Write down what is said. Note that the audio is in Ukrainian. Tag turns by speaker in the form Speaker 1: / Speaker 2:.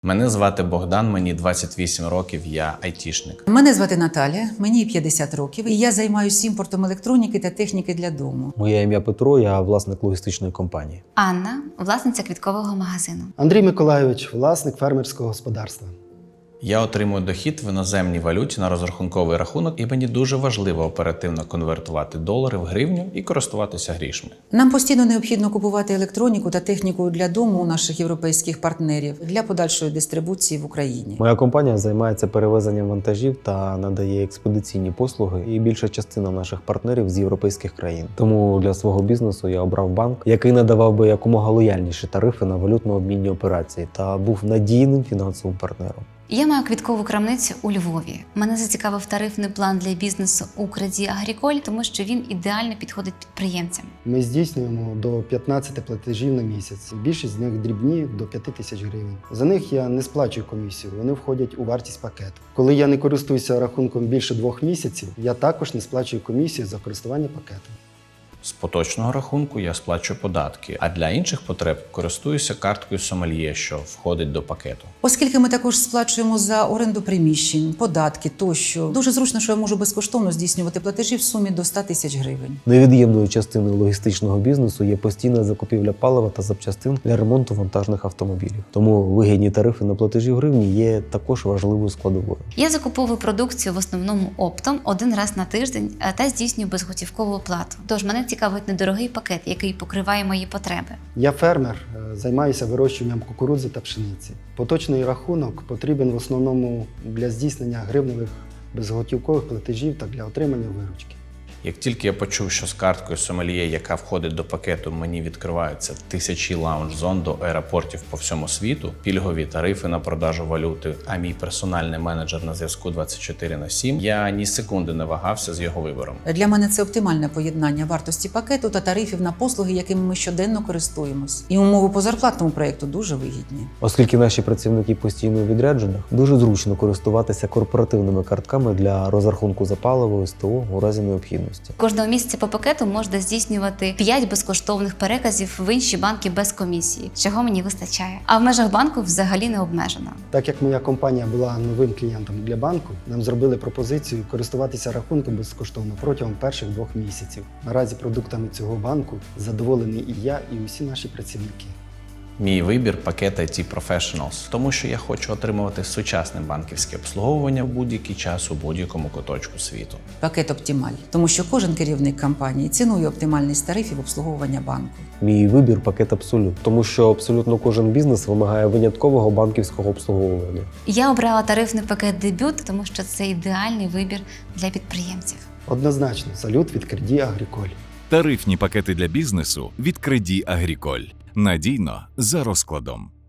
Speaker 1: Мене звати Богдан, мені 28 років, я айтішник.
Speaker 2: Мене звати Наталя, мені 50 років, і я займаюся імпортом електроніки та техніки для дому.
Speaker 3: Моє ім'я Петро, я власник логістичної компанії.
Speaker 4: Анна, власниця квіткового магазину.
Speaker 5: Андрій Миколайович, власник фермерського господарства.
Speaker 1: Я отримую дохід в іноземній валюті на розрахунковий рахунок, і мені дуже важливо оперативно конвертувати долари в гривню і користуватися грішми.
Speaker 2: Нам постійно необхідно купувати електроніку та техніку для дому у наших європейських партнерів для подальшої дистрибуції в Україні.
Speaker 3: Моя компанія займається перевезенням вантажів та надає експедиційні послуги, і більша частина наших партнерів з європейських країн. Тому для свого бізнесу я обрав банк, який надавав би якомога лояльніші тарифи на валютно-обмінні операції та був надійним фінансовим партнером.
Speaker 4: Я маю квіткову крамницю у Львові. Мене зацікавив тарифний план для бізнесу у Crédit Agricole, тому що він ідеально підходить підприємцям.
Speaker 5: Ми здійснюємо до 15 платежів на місяць. Більшість з них дрібні до 5 тисяч гривень. За них я не сплачую комісію, вони входять у вартість пакету. Коли я не користуюся рахунком більше 2 місяців, я також не сплачую комісію за користування пакетом.
Speaker 1: З поточного рахунку я сплачую податки, а для інших потреб користуюся карткою сомельє, що входить до пакету.
Speaker 2: Оскільки ми також сплачуємо за оренду приміщень, податки тощо, дуже зручно, що я можу безкоштовно здійснювати платежі в сумі до 100 тисяч гривень.
Speaker 3: Невід'ємною частиною логістичного бізнесу є постійна закупівля палива та запчастин для ремонту вантажних автомобілів. Тому вигідні тарифи на платежі в гривні є також важливою складовою.
Speaker 4: Я закуповую продукцію в основному оптом один раз на тиждень та здійснюю безготівкову оплату. Тож мене цікавить недорогий пакет, який покриває мої потреби.
Speaker 5: Я фермер, займаюся вирощуванням кукурудзи та пшениці. Поточний рахунок потрібен в основному для здійснення гривневих безготівкових платежів та для отримання виручки.
Speaker 1: Як тільки я почув, що з карткою сомельє, яка входить до пакету, мені відкриваються тисячі лаунж-зон до аеропортів по всьому світу, пільгові тарифи на продажу валюти, а мій персональний менеджер на зв'язку 24/7, я ні секунди не вагався з його вибором.
Speaker 2: Для мене це оптимальне поєднання вартості пакету та тарифів на послуги, якими ми щоденно користуємось. І умови по зарплатному проєкту дуже вигідні.
Speaker 3: Оскільки наші працівники постійно у відрядженнях, дуже зручно користуватися корпоративними картками для розрахунку за паливо СТО у разі необхідності.
Speaker 4: Кожного місяця по пакету можна здійснювати 5 безкоштовних переказів в інші банки без комісії, чого мені вистачає. А в межах банку взагалі не обмежено.
Speaker 5: Так як моя компанія була новим клієнтом для банку, нам зробили пропозицію користуватися рахунком безкоштовно протягом перших 2 місяців. Наразі продуктами цього банку задоволений і я, і усі наші працівники.
Speaker 1: Мій вибір – пакет IT Professionals, тому що я хочу отримувати сучасне банківське обслуговування в будь-який час у будь-якому куточку світу.
Speaker 2: Пакет «Оптімаль», тому що кожен керівник компанії цінує оптимальність тарифів обслуговування банку.
Speaker 3: Мій вибір – пакет Абсолют, тому що абсолютно кожен бізнес вимагає виняткового банківського обслуговування.
Speaker 4: Я обрала тарифний пакет «Дебют», тому що це ідеальний вибір для підприємців.
Speaker 5: Однозначно, салют від Crédit Agricole.
Speaker 6: Тарифні пакети для бізнесу від Crédit Agricole. Надійно за розкладом.